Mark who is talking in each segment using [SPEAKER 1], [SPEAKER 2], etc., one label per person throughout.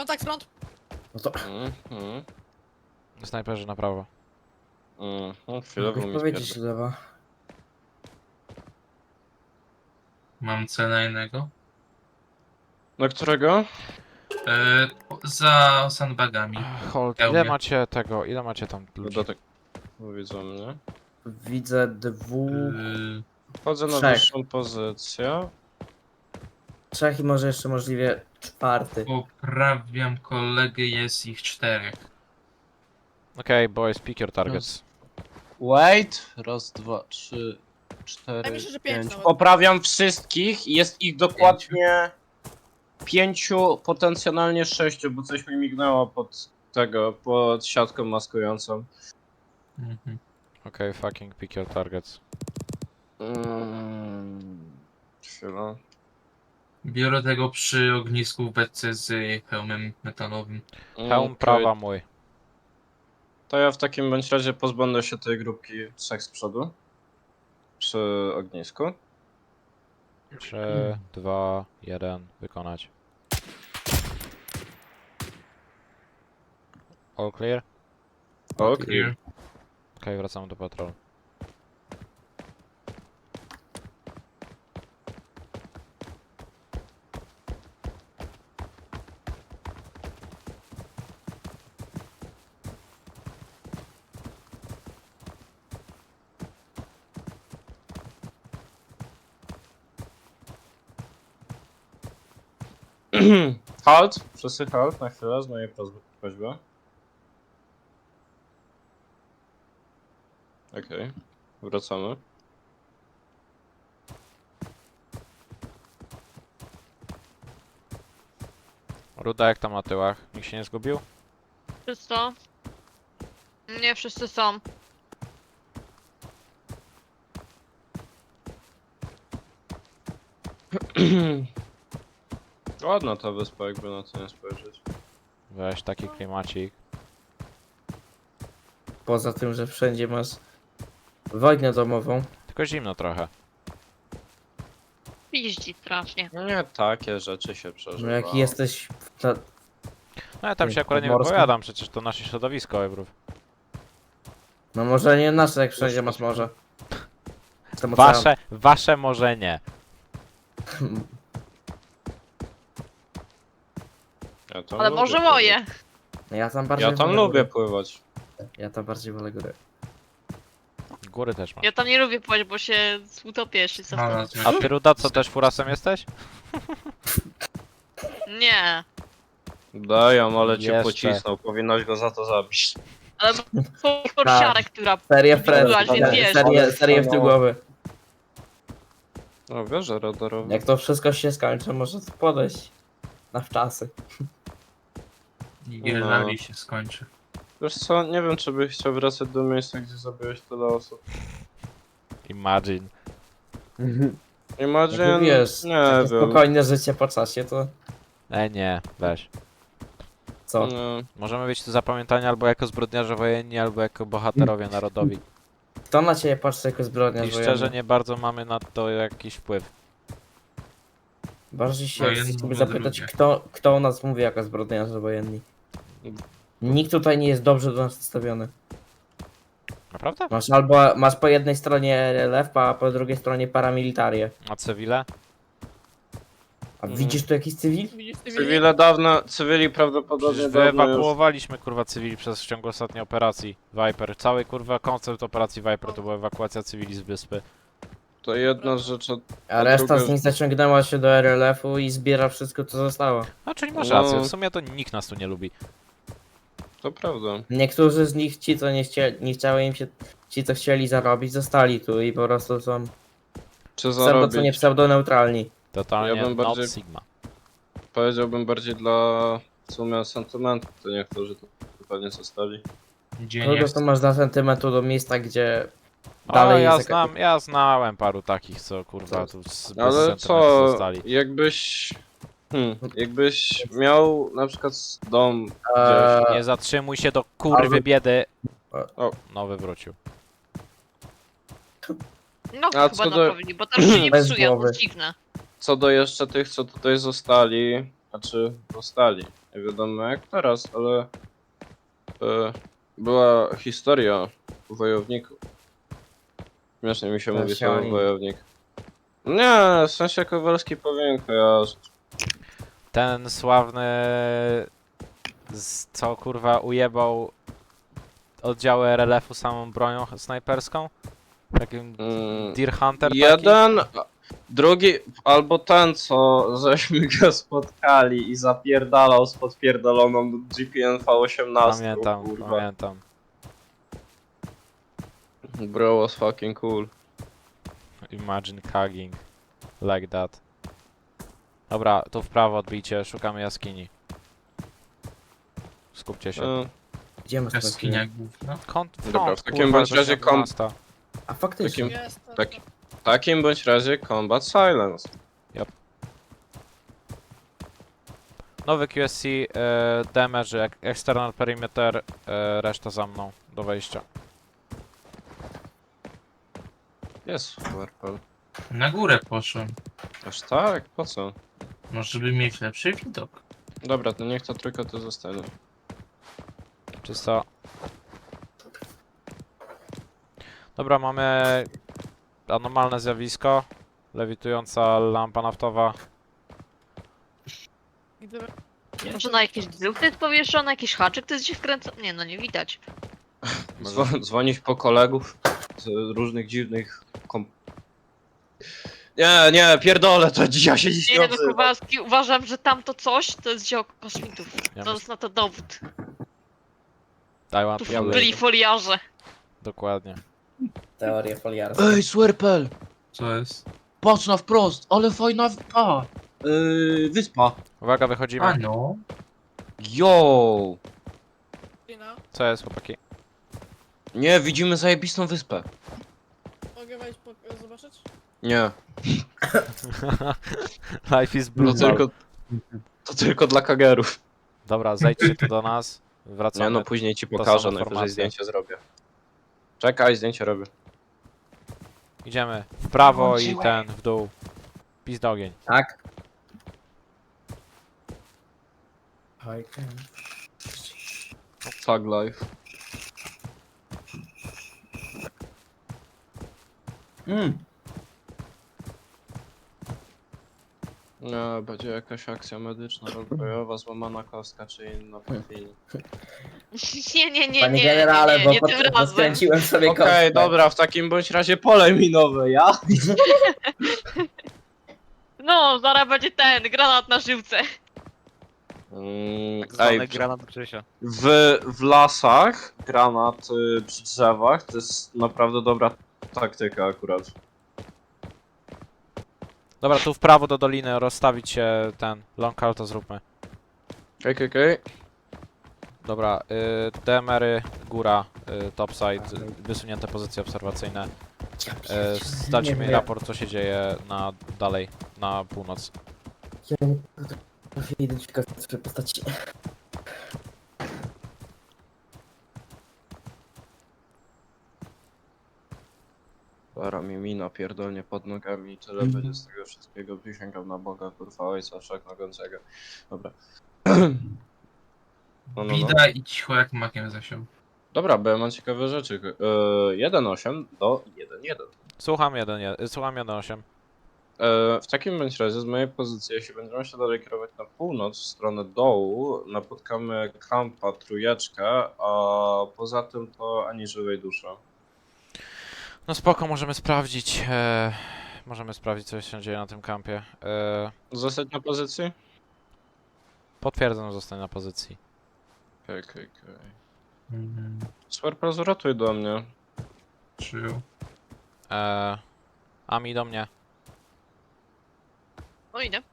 [SPEAKER 1] Kontakt front.
[SPEAKER 2] No to
[SPEAKER 3] Snajperzy na prawo.
[SPEAKER 2] mogę
[SPEAKER 4] Chwilowo mi
[SPEAKER 2] powiedzieć
[SPEAKER 4] spierdol.
[SPEAKER 2] lewa.
[SPEAKER 5] Mam cela innego.
[SPEAKER 4] Na którego?
[SPEAKER 5] Za sandbagami.
[SPEAKER 3] Hold, ile macie tam ludzi?
[SPEAKER 4] Dodatek. Bo widzą mnie.
[SPEAKER 2] Widzę dwóch,
[SPEAKER 4] Wchodzę na
[SPEAKER 2] Trzech.
[SPEAKER 4] wyższą pozycję.
[SPEAKER 2] trzech i może jeszcze możliwie czwarty.
[SPEAKER 5] Poprawiam kolegę, jest ich 4.
[SPEAKER 3] Okej, boys, pick your targets.
[SPEAKER 4] Wait. Raz, dwa, trzy,
[SPEAKER 1] Ja
[SPEAKER 4] cztery,
[SPEAKER 1] myślę, że pięć
[SPEAKER 4] pięć.
[SPEAKER 1] nawet.
[SPEAKER 4] Poprawiam wszystkich. Jest ich dokładnie 5, potencjalnie 6, bo coś mi mignęło pod siatką maskującą.
[SPEAKER 3] Okej, fucking pick your targets.
[SPEAKER 4] Chwila.
[SPEAKER 5] Biorę tego przy ognisku w beczce z hełmem metalowym.
[SPEAKER 3] Hełm
[SPEAKER 4] Okej.
[SPEAKER 3] prawa mój.
[SPEAKER 4] To ja w takim bądź razie pozbędę się tej grupki 3 z przodu. Przy ognisku.
[SPEAKER 3] 3, 2, 1, wykonać. All clear?
[SPEAKER 4] Okej.
[SPEAKER 3] Okej, wracamy do patrolu.
[SPEAKER 4] Halt! Wszyscy halt na chwilę z mojej prośby. Okej. Wracamy.
[SPEAKER 3] Ruda jak tam na tyłach? Nikt się nie zgubił?
[SPEAKER 6] Czysto? Nie wszyscy są.
[SPEAKER 4] Ładna ta wyspa, jakby na to nie spojrzeć.
[SPEAKER 3] Weź taki klimacik.
[SPEAKER 2] Poza tym, że wszędzie masz wojnę domową.
[SPEAKER 3] Tylko zimno trochę.
[SPEAKER 6] Piździ strasznie.
[SPEAKER 4] No nie takie rzeczy się
[SPEAKER 2] No
[SPEAKER 4] przeżywa.
[SPEAKER 2] jak jesteś na...
[SPEAKER 3] No ja tam się akurat nie
[SPEAKER 2] Podmorskim.
[SPEAKER 3] wypowiadam, przecież to nasze środowisko, Ebrów.
[SPEAKER 2] No może nie nasze, jak wszędzie masz morze. Tam ocean.
[SPEAKER 3] Wasze może nie.
[SPEAKER 4] Ja tam
[SPEAKER 6] Ale
[SPEAKER 4] lubię
[SPEAKER 6] może
[SPEAKER 4] pływać.
[SPEAKER 6] moje.
[SPEAKER 2] Ja tam bardziej
[SPEAKER 4] Ja tam
[SPEAKER 2] wolę
[SPEAKER 4] lubię
[SPEAKER 2] góry.
[SPEAKER 4] pływać.
[SPEAKER 2] Ja tam bardziej wolę góry.
[SPEAKER 3] Góry też masz.
[SPEAKER 6] Ja tam nie lubię pływać, bo się utopię jeszcze co
[SPEAKER 5] Mama,
[SPEAKER 6] wtedy.
[SPEAKER 3] A ty Ruda, co też furasem jesteś?
[SPEAKER 6] Nie.
[SPEAKER 4] Dają, ale cię
[SPEAKER 3] Jeszcze.
[SPEAKER 4] pocisnął. Powinnaś go za to zabić.
[SPEAKER 6] Ale porsiarę, która...
[SPEAKER 2] Serię
[SPEAKER 6] Byłaś,
[SPEAKER 2] Fred,
[SPEAKER 6] więc wiesz.
[SPEAKER 2] serię w tył głowy.
[SPEAKER 4] No wiesz, że radarowy.
[SPEAKER 2] Jak to wszystko się skończy, może podejść na wczasy.
[SPEAKER 5] I rally się skończy.
[SPEAKER 4] Wiesz co, nie wiem czy byś chciał wracać do miejsca, gdzie zabiłeś tyle osób.
[SPEAKER 3] Imagine.
[SPEAKER 4] Imagine,
[SPEAKER 2] Jak wiesz,
[SPEAKER 4] nie
[SPEAKER 2] takie
[SPEAKER 4] wiem.
[SPEAKER 2] spokojne życie po czasie, to
[SPEAKER 3] Nie, weź.
[SPEAKER 2] co?
[SPEAKER 4] Nie.
[SPEAKER 3] Możemy być tu zapamiętani albo jako zbrodniarze wojenni, albo jako bohaterowie narodowi.
[SPEAKER 2] Kto na ciebie patrzy jako zbrodniarz
[SPEAKER 3] I
[SPEAKER 2] wojenny?
[SPEAKER 3] szczerze nie bardzo mamy na to jakiś wpływ.
[SPEAKER 2] Bardziej się
[SPEAKER 5] Wojenny
[SPEAKER 2] chcę ciebie
[SPEAKER 5] mówię
[SPEAKER 2] zapytać,
[SPEAKER 5] drugie.
[SPEAKER 2] kto o nas mówi jako zbrodniarze wojenni? Nikt tutaj nie jest dobrze do nas nastawiony.
[SPEAKER 3] Naprawdę?
[SPEAKER 2] Masz po jednej stronie RLF, a po drugiej stronie paramilitarię.
[SPEAKER 3] A cywile?
[SPEAKER 2] A widzisz tu jakiś cywil?
[SPEAKER 1] Widzisz, ty
[SPEAKER 4] Cywili prawdopodobnie
[SPEAKER 3] Przecież
[SPEAKER 4] dawno już...
[SPEAKER 3] wyewakuowaliśmy kurwa cywili w ciągu ostatniej operacji Viper. Cały kurwa koncept operacji Viper to była ewakuacja cywili z wyspy.
[SPEAKER 4] To jedna z rzeczy...
[SPEAKER 2] A reszta
[SPEAKER 4] druga-
[SPEAKER 2] z nich zaciągnęła się do RLF-u i zbiera wszystko, co zostało.
[SPEAKER 3] A czyli masz
[SPEAKER 4] No.
[SPEAKER 3] rację, w sumie to nikt nas tu nie lubi.
[SPEAKER 4] To prawda.
[SPEAKER 2] Niektórzy z nich, ci co nie chciały im się, ci co chcieli zarobić, zostali tu i po prostu są
[SPEAKER 4] Czy
[SPEAKER 2] pseudo co nie
[SPEAKER 4] zarobić?
[SPEAKER 2] pseudo-neutralni.
[SPEAKER 3] Totalnie
[SPEAKER 4] Ja bym
[SPEAKER 3] not
[SPEAKER 4] bardziej-
[SPEAKER 3] Sigma.
[SPEAKER 4] Powiedziałbym bardziej dla w sumie sentymentu, to niektórzy tu pewnie zostali.
[SPEAKER 5] Gdzie
[SPEAKER 2] Kogo
[SPEAKER 5] nie
[SPEAKER 2] to masz dla sentymentu do miejsca, gdzie
[SPEAKER 3] O,
[SPEAKER 2] dalej
[SPEAKER 3] ja
[SPEAKER 2] jest
[SPEAKER 3] ja znałem paru takich, co kurwa tu bez
[SPEAKER 4] Ale
[SPEAKER 3] sentymentu
[SPEAKER 4] co,
[SPEAKER 3] zostali.
[SPEAKER 4] jakbyś miał na przykład dom
[SPEAKER 2] Eee,
[SPEAKER 3] Nie zatrzymuj się do kurwy biedy.
[SPEAKER 4] O.
[SPEAKER 3] Nowy wrócił.
[SPEAKER 6] No
[SPEAKER 4] A
[SPEAKER 6] chyba
[SPEAKER 4] co do-
[SPEAKER 6] naprawili, bo tam się nie
[SPEAKER 2] Bez
[SPEAKER 6] psuje, to
[SPEAKER 2] głowy.
[SPEAKER 6] jest dziwne.
[SPEAKER 4] co do jeszcze tych, co tutaj zostali, znaczy zostali. Nie wiadomo jak teraz, ale była historia o wojowniku. Śmiesznie mi się
[SPEAKER 2] To
[SPEAKER 4] mówi
[SPEAKER 2] się
[SPEAKER 4] słowo
[SPEAKER 2] oni-
[SPEAKER 4] wojownik. Nie, w sensie Kowalski powinien kojarzyć.
[SPEAKER 3] Ten sławny... co kurwa ujebał oddziały RLF-u samą bronią snajperską? Takim Deer Hunter taki?
[SPEAKER 4] Jeden, drugi, albo ten, co żeśmy go spotkali i zapierdalał z podpierdoloną GPN V18.
[SPEAKER 3] Pamiętam,
[SPEAKER 4] kurwa.
[SPEAKER 3] pamiętam.
[SPEAKER 4] Bro was fucking cool.
[SPEAKER 3] Imagine hugging like that. Dobra, tu w prawo odbijcie, szukamy jaskini. Skupcie się.
[SPEAKER 2] Gdzie masz
[SPEAKER 5] Jaskinia główna.
[SPEAKER 3] Kąt front,
[SPEAKER 4] Dobra, w takim
[SPEAKER 3] kurwa,
[SPEAKER 4] bądź razie
[SPEAKER 3] gościa 12.
[SPEAKER 2] A faktycznie.
[SPEAKER 4] W takim bądź razie Combat Silence.
[SPEAKER 3] Nowy QSC, damage, external perimeter, reszta za mną, do wejścia.
[SPEAKER 4] Jest Warpel.
[SPEAKER 5] Na górę poszłem.
[SPEAKER 4] Aż tak? Po co?
[SPEAKER 5] Może żeby mieć lepszy widok.
[SPEAKER 4] Dobra, to niech ta trójka tu zostanie.
[SPEAKER 3] Czysto. Dobra, mamy anomalne zjawisko. Lewitująca lampa naftowa.
[SPEAKER 6] Może na jakieś drzewko jest powieszone, jakiś haczyk to jest gdzieś wkręcony? Nie, no nie widać.
[SPEAKER 4] Dzwonić po kolegów z różnych dziwnych Nie, pierdolę, to ja się dziś nie
[SPEAKER 6] Nie, no
[SPEAKER 4] odzywam.
[SPEAKER 6] Kowalski, uważam, że tamto coś to jest dzieło kosmitów.
[SPEAKER 3] Ja
[SPEAKER 6] To jest na to dowód.
[SPEAKER 3] I want
[SPEAKER 6] Tu
[SPEAKER 3] to
[SPEAKER 6] byli
[SPEAKER 3] believe.
[SPEAKER 6] foliarze.
[SPEAKER 3] Dokładnie.
[SPEAKER 2] Teoria foliarska.
[SPEAKER 4] Ej, Swerpel!
[SPEAKER 5] Co jest?
[SPEAKER 4] Patrz na wprost, ale fajna wyspa.
[SPEAKER 3] Uwaga, wychodzimy.
[SPEAKER 5] A no.
[SPEAKER 4] Yo!
[SPEAKER 3] Co jest, chłopaki?
[SPEAKER 4] Nie, widzimy zajebistą wyspę.
[SPEAKER 1] Mogę wejść zobaczyć?
[SPEAKER 4] Nie,
[SPEAKER 3] Life is
[SPEAKER 4] to
[SPEAKER 3] brutal.
[SPEAKER 4] to tylko dla kagerów.
[SPEAKER 3] Dobra, zejdźcie tu do nas. Wracamy.
[SPEAKER 4] Nie no, później ci
[SPEAKER 3] To
[SPEAKER 4] pokażę,
[SPEAKER 3] są
[SPEAKER 4] najwyżej
[SPEAKER 3] informacje.
[SPEAKER 4] zdjęcie zrobię. Czekaj, zdjęcie robię.
[SPEAKER 3] Idziemy w prawo i
[SPEAKER 5] Włączyłem.
[SPEAKER 3] ten w dół. Pizd ogień.
[SPEAKER 2] Tak. Oj,
[SPEAKER 4] Tag life. Nie, będzie jakaś akcja medyczna, roleplayowa, złamana kostka czy inna po chwili.
[SPEAKER 6] Nie,
[SPEAKER 2] Panie generale,
[SPEAKER 6] nie,
[SPEAKER 2] bo,
[SPEAKER 6] nie tym razem.
[SPEAKER 2] skręciłem sobie
[SPEAKER 4] Okej,
[SPEAKER 2] kostkę.
[SPEAKER 4] dobra, w takim bądź razie pole minowe, ja?
[SPEAKER 6] No, zaraz będzie ten, granat na żyłce.
[SPEAKER 4] Ej,
[SPEAKER 3] granat Grzesia.
[SPEAKER 4] w lasach granat przy drzewach to jest naprawdę dobra taktyka akurat.
[SPEAKER 3] Dobra, tu w prawo do doliny, rozstawić się ten long call, to zróbmy.
[SPEAKER 4] Okej.
[SPEAKER 3] Dobra, DMR-y, góra, topside, wysunięte pozycje obserwacyjne.
[SPEAKER 2] Ja pierdzielę,
[SPEAKER 3] Dajcie
[SPEAKER 2] nie
[SPEAKER 3] mi
[SPEAKER 2] wiem.
[SPEAKER 3] raport, co się dzieje dalej, na północ.
[SPEAKER 2] Ja nie potrafię identyfikować swojej postaci.
[SPEAKER 4] Para mi mina pierdolnie pod nogami i tyle będzie z tego wszystkiego. Przysięgam na Boga, kurwa ojca wszechmogącego. Dobra. No.
[SPEAKER 5] Bida i cicho jak makiem zasiął.
[SPEAKER 4] Dobra, bo ja mam ciekawe rzeczy. 1.8 do 1.1.
[SPEAKER 3] Słucham 1.8.
[SPEAKER 4] W takim bądź razie z mojej pozycji, jeśli będziemy się dalej kierować na północ, w stronę dołu, napotkamy kampa, trójeczkę, a poza tym to ani żywej duszy.
[SPEAKER 3] No spoko, możemy sprawdzić, co się dzieje na tym kampie.
[SPEAKER 4] Zostać na pozycji?
[SPEAKER 3] Potwierdzam, zostań na pozycji.
[SPEAKER 4] Okej.
[SPEAKER 5] Mhm.
[SPEAKER 4] Swerpel, uratuj do mnie.
[SPEAKER 5] Przyjął.
[SPEAKER 3] Ami do mnie.
[SPEAKER 6] No idę.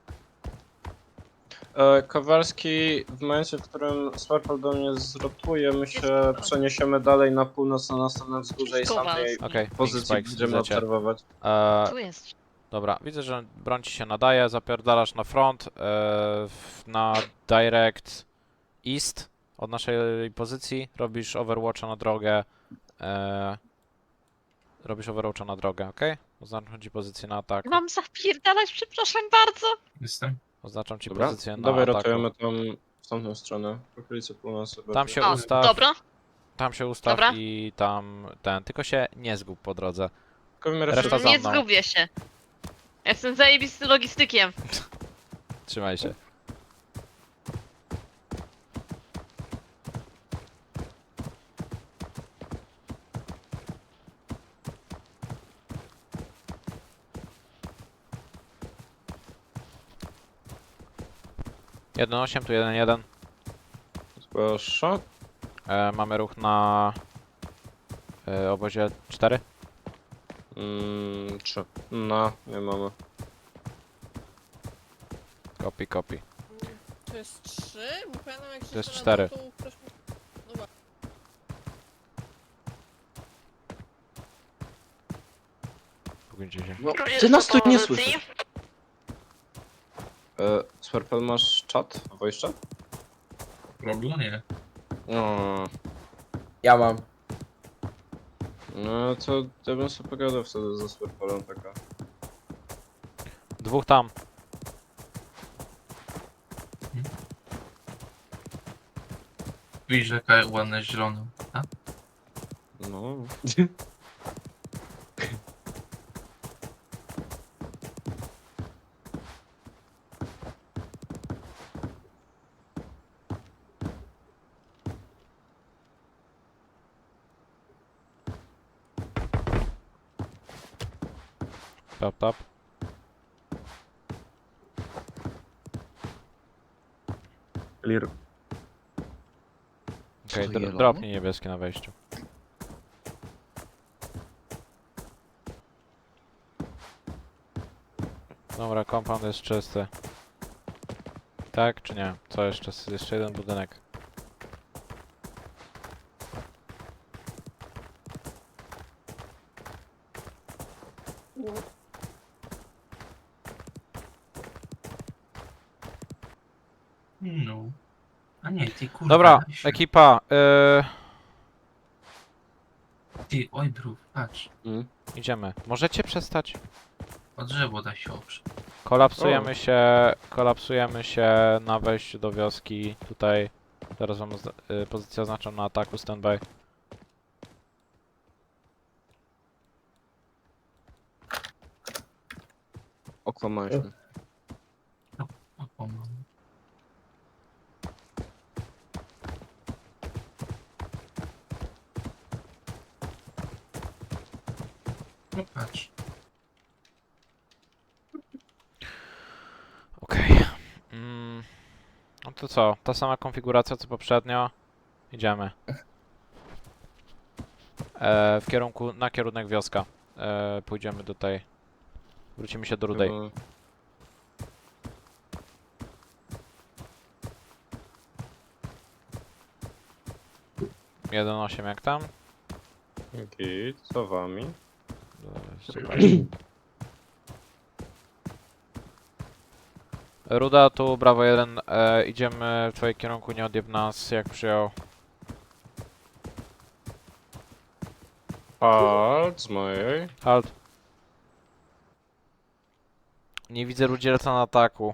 [SPEAKER 4] Kowalski, w momencie, w którym Swerpel do mnie zrotuje, my się przeniesiemy dalej na północ, na następne wzgórze i z tamtej
[SPEAKER 3] Okej,
[SPEAKER 4] pozycji
[SPEAKER 3] Spikes,
[SPEAKER 4] będziemy
[SPEAKER 3] widzę cię.
[SPEAKER 4] obserwować.
[SPEAKER 6] Tu jest.
[SPEAKER 3] Dobra, widzę, że broń ci się nadaje, zapierdalasz na front, na direct east od naszej pozycji, robisz overwatcha na drogę, okej? Oznaczam ci pozycję na atak,
[SPEAKER 6] Mam zapierdalać, przepraszam bardzo.
[SPEAKER 5] Jestem.
[SPEAKER 3] oznaczam ci
[SPEAKER 4] Dobra,
[SPEAKER 3] pozycję na
[SPEAKER 4] dawaj
[SPEAKER 3] ataku.
[SPEAKER 4] rotujemy tam w w tamtą stronę, w okolicy północy.
[SPEAKER 3] Tam
[SPEAKER 4] bardziej.
[SPEAKER 3] się
[SPEAKER 6] O,
[SPEAKER 3] ustaw,
[SPEAKER 6] dobra.
[SPEAKER 3] tam się ustaw
[SPEAKER 6] Dobra.
[SPEAKER 3] i tam ten, tylko się nie zgub po drodze.
[SPEAKER 4] Tylko w miarę
[SPEAKER 3] Reszta
[SPEAKER 4] szybko.
[SPEAKER 3] za
[SPEAKER 6] Nie
[SPEAKER 3] mną.
[SPEAKER 6] zgubię się. Jestem zajebisty logistykiem.
[SPEAKER 3] Trzymaj się. Jeden 8, tu 1-1.
[SPEAKER 4] Zgłasza.
[SPEAKER 3] Mamy ruch na obozie 4.
[SPEAKER 4] 3. No, nie mamy.
[SPEAKER 3] Copy.
[SPEAKER 1] To jest 3? Bo pamiętam jak się
[SPEAKER 3] To jest
[SPEAKER 1] strzela,
[SPEAKER 3] 4.
[SPEAKER 1] to ktoś mi... Dobra.
[SPEAKER 3] Pogójcie się.
[SPEAKER 4] No, ty nas tu nie słyszysz. Swerpel, masz czat? Voice chat?
[SPEAKER 5] Problem nie.
[SPEAKER 4] No,
[SPEAKER 2] Ja mam.
[SPEAKER 4] no to ja bym sobie pogadał wtedy ze Swerpelem taka.
[SPEAKER 3] Dwóch tam.
[SPEAKER 5] Widzisz jaka ładna zielona. A?
[SPEAKER 4] No.
[SPEAKER 3] Tap.
[SPEAKER 4] Clear.
[SPEAKER 3] Okej,
[SPEAKER 4] to yellow?
[SPEAKER 3] dropnij niebieskie na wejściu. Dobra, compound jest czysty. Tak czy nie? Co jeszcze? Jeszcze jeden budynek.
[SPEAKER 5] No. A nie, ty kurwa.
[SPEAKER 3] Dobra,
[SPEAKER 5] Asiu.
[SPEAKER 3] ekipa,
[SPEAKER 5] Ty, oj brów, patrz.
[SPEAKER 3] idziemy. Możecie przestać?
[SPEAKER 5] O drzewo da się oprzeć.
[SPEAKER 3] Kolapsujemy się na wejściu do wioski. Tutaj, zaraz wam pozycję oznaczam na ataku, standby.
[SPEAKER 4] Okłamałeś mnie.
[SPEAKER 5] O, pomogę. No patrz.
[SPEAKER 3] Okej. No to co? Ta sama konfiguracja co poprzednio. Idziemy. Na kierunek wioska. Pójdziemy do tej. Wrócimy się do Rudej.
[SPEAKER 4] Chyba-
[SPEAKER 3] 1.8 jak tam?
[SPEAKER 4] Git, za wami.
[SPEAKER 3] Ruda, tu Bravo 1. Idziemy w twoim kierunku, nie odjeb nas jak przyjął.
[SPEAKER 4] Halt, z mojej.
[SPEAKER 3] Halt. Nie widzę rudzielca na ataku.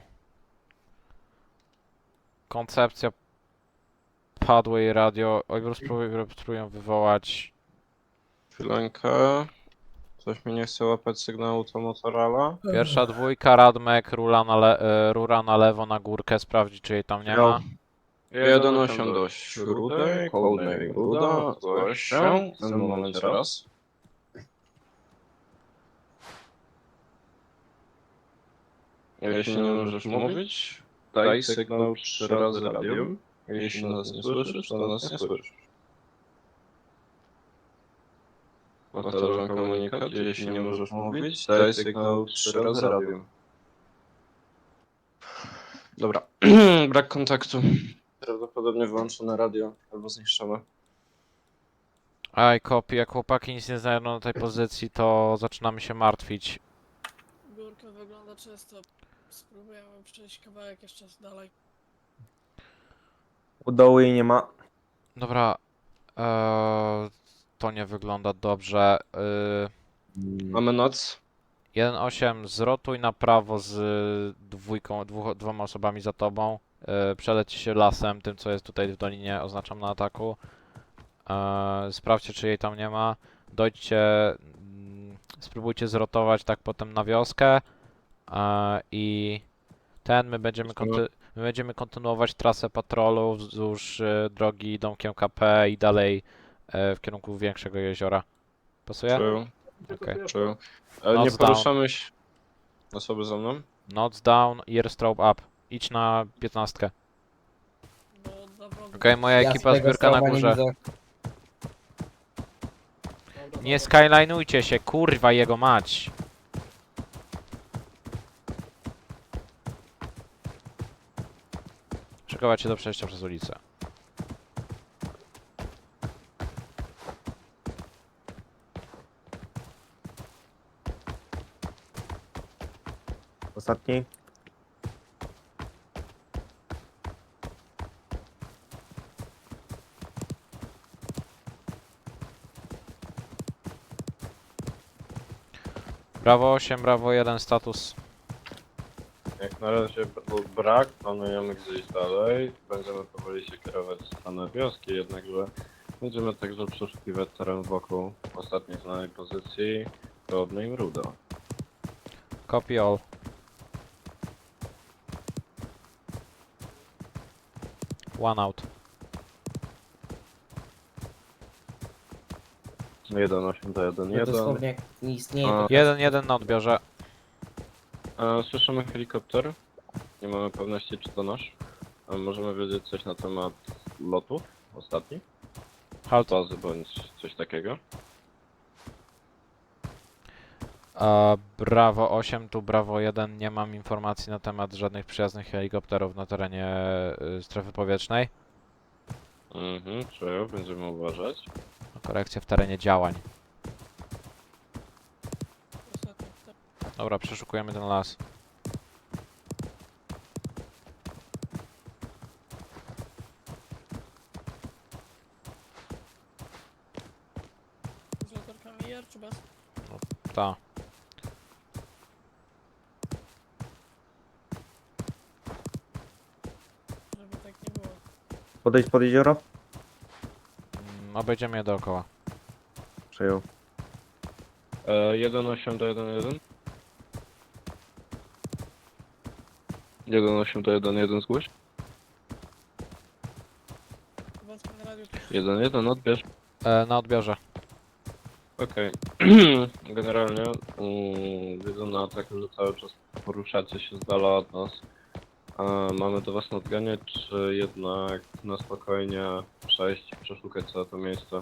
[SPEAKER 3] Koncepcja padłej radio. Oj, spróbuję wywołać.
[SPEAKER 4] Chwilenkę. Coś mi nie chce łapać sygnału to Motorala.
[SPEAKER 3] Pierwsza dwójka, Radmek, rura na lewo na górkę, sprawdzi czy jej tam nie ma.
[SPEAKER 4] 1.8 do Rudej, Cold Navy Ruda, zgłoś się. W tym momencie raz. Jeśli nie możesz mówić, daj sygnał 3 razy radium. Jeśli nas nie słyszysz, to nas nie słyszysz. Powtarzam komunikat, jeśli nie możesz mówić, daj sygnał 3 razy radium. Dobra, brak kontaktu. Prawdopodobnie wyłączone radio albo zniszczone.
[SPEAKER 3] Aj, kopi, jak chłopaki nic nie znajdą na tej pozycji, to zaczynamy się martwić.
[SPEAKER 1] Górka wygląda czysto. Spróbujemy przejść kawałek jeszcze dalej.
[SPEAKER 2] U dołu jej nie ma.
[SPEAKER 3] Dobra, to nie wygląda dobrze.
[SPEAKER 4] Mamy noc.
[SPEAKER 3] 1.8, zrotuj na prawo z dwoma osobami za tobą. przeleci się lasem, tym co jest tutaj w dolinie, oznaczam na ataku. Sprawdźcie, czy jej tam nie ma. Dojdźcie, spróbujcie zrotować tak potem na wioskę i my będziemy kontynuować trasę patrolu wzdłuż drogi domkiem KP i dalej w kierunku większego jeziora. Pasuje?
[SPEAKER 4] Czuję,
[SPEAKER 3] Okej.
[SPEAKER 4] czuję. Ale nie
[SPEAKER 3] Noc down.
[SPEAKER 4] poruszamy się... Osoby za mną?
[SPEAKER 3] Nods down, earstrobe up. Idź na 15.
[SPEAKER 1] Bo dla wrogów...
[SPEAKER 3] Okej, moja
[SPEAKER 2] Ja
[SPEAKER 3] ekipa
[SPEAKER 2] swojego
[SPEAKER 3] zbiórka na
[SPEAKER 2] stroba nie
[SPEAKER 3] górze.
[SPEAKER 2] widzę.
[SPEAKER 1] Dobra,
[SPEAKER 3] Nie
[SPEAKER 1] dobra.
[SPEAKER 3] skyline'ujcie się, kurwa jego mać. Szykować się do przejścia przez ulicę.
[SPEAKER 2] Ostatni.
[SPEAKER 3] Brawo 8, brawo 1, status.
[SPEAKER 4] Jak na razie był brak, planujemy gdzieś dalej. Będziemy powoli się kierować w stronę wioski, jednakże będziemy także przeszukiwać teren wokół ostatniej znanej pozycji Rodney i Ruda.
[SPEAKER 3] Copy all. One out.
[SPEAKER 4] 1-8 do 1-1.
[SPEAKER 2] No dosłownie jak nie istnieje.
[SPEAKER 4] A.
[SPEAKER 2] to
[SPEAKER 3] 1-1 na odbiorze.
[SPEAKER 4] Słyszymy helikopter. Nie mamy pewności, czy to nasz. Możemy wiedzieć coś na temat lotu ostatni?
[SPEAKER 3] Halt.
[SPEAKER 4] Bazy bądź coś takiego.
[SPEAKER 3] Brawo 8, tu Brawo 1. Nie mam informacji na temat żadnych przyjaznych helikopterów na terenie strefy powietrznej.
[SPEAKER 4] Czuję, będziemy uważać.
[SPEAKER 3] Korekcja w terenie działań.
[SPEAKER 1] Ostatni, tak.
[SPEAKER 3] Dobra, przeszukujemy ten las.
[SPEAKER 1] Z latarkami IR czy bez?
[SPEAKER 3] Ta.
[SPEAKER 1] Żeby tak nie było.
[SPEAKER 7] Podejść pod jezioro?
[SPEAKER 3] Obejdziemy je dookoła.
[SPEAKER 7] Przejął.
[SPEAKER 4] 1-8 do 1-1. 1-8 do 1-1 zgłoś.
[SPEAKER 1] Wątpię na radiu też.
[SPEAKER 4] 1-1 odbierz.
[SPEAKER 3] Na odbiorze.
[SPEAKER 4] Okej. Generalnie widzę na ataku, że cały czas poruszacie się z dala od nas. Mamy do was nadganiać, czy jednak na spokojnie przejść i przeszukać całe to miejsce?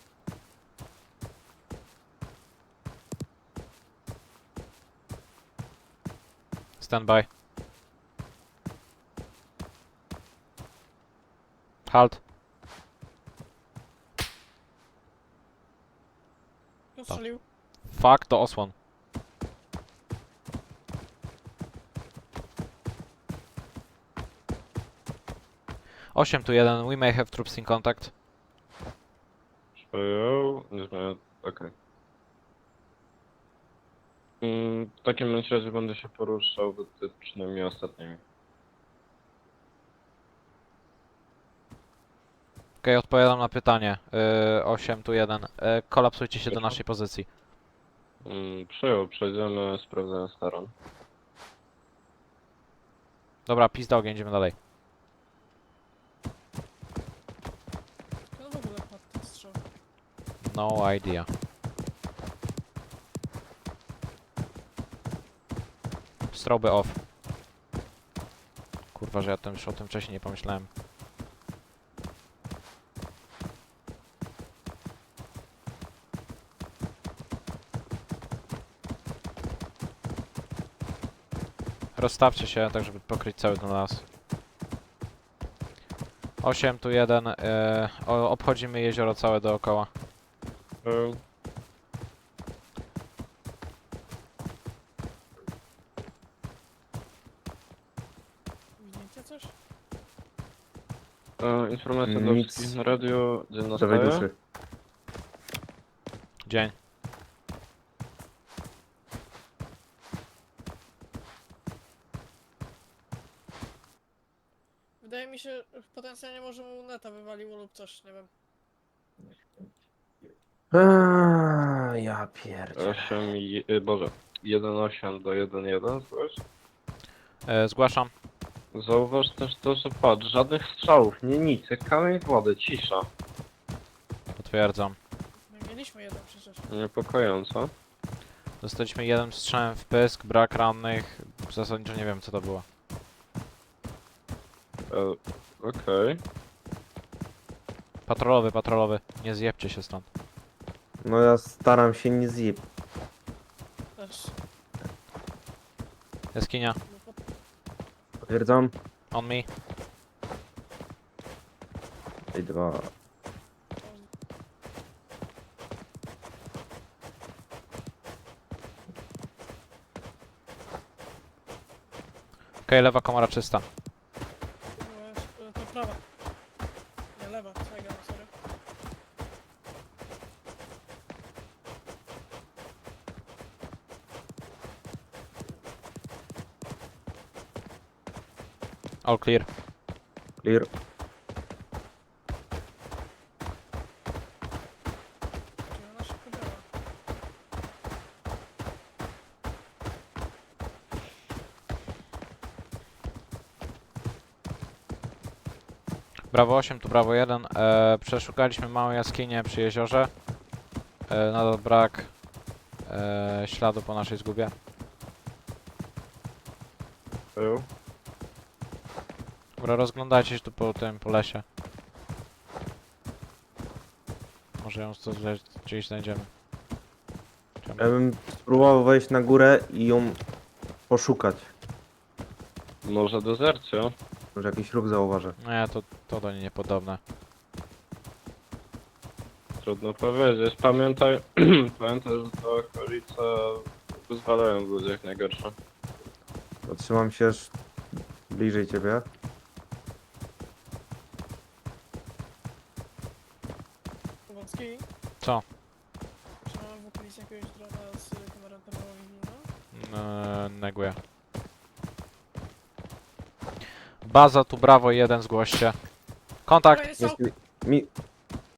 [SPEAKER 3] Stand by. Halt.
[SPEAKER 1] Kto strzelił?
[SPEAKER 3] Fuck, to osłon. Osiem tu 1, we may have troops in contact.
[SPEAKER 4] Przyjął, nie zmienia, okej. W takim bądź razie będę się poruszał wytycznymi ostatnimi.
[SPEAKER 3] Okej, odpowiadam na pytanie. 8 tu 1. Kolapsujcie się do naszej pozycji.
[SPEAKER 4] Przyjął, przejdziemy, sprawdzając teren.
[SPEAKER 3] Dobra, pizda ogień, idziemy dalej.
[SPEAKER 1] Kto w ogóle padł ten strzał?
[SPEAKER 3] No idea. Stroby off. Kurwa, że ja już o tym wcześniej nie pomyślałem. Rozstawcie się, tak żeby pokryć cały ten las. 8 tu 1. Obchodzimy jezioro całe dookoła.
[SPEAKER 4] Przyjął.
[SPEAKER 1] Widzicie coś?
[SPEAKER 4] Informacja do
[SPEAKER 7] Nic.
[SPEAKER 4] wszystkich na radio, dzień
[SPEAKER 7] Prawej
[SPEAKER 4] nastaje.
[SPEAKER 7] duszy.
[SPEAKER 3] Dzień.
[SPEAKER 1] mi się, potencjalnie może mu neta wywaliło lub coś, nie wiem.
[SPEAKER 7] Ja pierdzie.
[SPEAKER 4] 8, Boże, 1,8 do 1,1, zobacz.
[SPEAKER 3] Zgłaszam.
[SPEAKER 4] Zauważ też to, że patrz, żadnych strzałów, nie nic, jak kamień w wodę, cisza.
[SPEAKER 3] Potwierdzam.
[SPEAKER 1] My mieliśmy jeden przecież.
[SPEAKER 4] Niepokojąco.
[SPEAKER 3] Dostaliśmy jeden strzałem w pysk, brak rannych. Zasadniczo nie wiem co to było.
[SPEAKER 4] Okej.
[SPEAKER 3] Patrolowy, patrolowy. Nie zjebcie się stąd.
[SPEAKER 7] No ja staram się nie zjeb.
[SPEAKER 1] Też.
[SPEAKER 3] Jaskinia.
[SPEAKER 1] No,
[SPEAKER 7] Potwierdzam.
[SPEAKER 3] On me.
[SPEAKER 7] I 2.
[SPEAKER 3] Okej, lewa komora czysta.
[SPEAKER 1] to prawa. Nie, lewa, co ja gadam, sorry.
[SPEAKER 3] All clear.
[SPEAKER 7] Clear.
[SPEAKER 1] Czyli ona szybko działa.
[SPEAKER 3] Brawo 8, tu brawo 1. Przeszukaliśmy małą jaskinię przy jeziorze. Nadal brak śladu po naszej zgubie.
[SPEAKER 4] Był.
[SPEAKER 3] Dobra, rozglądajcie się tu po tym, po lesie. Może ją gdzieś znajdziemy.
[SPEAKER 7] Ja bym spróbował wejść na górę i ją poszukać.
[SPEAKER 4] Może dezercja?
[SPEAKER 7] Może jakiś ruch zauważę.
[SPEAKER 3] Nie, to do niej niepodobne.
[SPEAKER 4] Trudno powiedzieć. Pamiętaj, pamiętaj, że te okolice wyzwalają w ludziach najgorsze.
[SPEAKER 7] Zatrzymam się aż bliżej ciebie.
[SPEAKER 1] Kowalski?
[SPEAKER 3] Co?
[SPEAKER 1] Czy mamy w okolicy jakiegoś drona z kamerą termową?
[SPEAKER 3] Neguję. Baza tu brawo 1, zgłoście. Kontakt!
[SPEAKER 1] Jest
[SPEAKER 7] Jest mi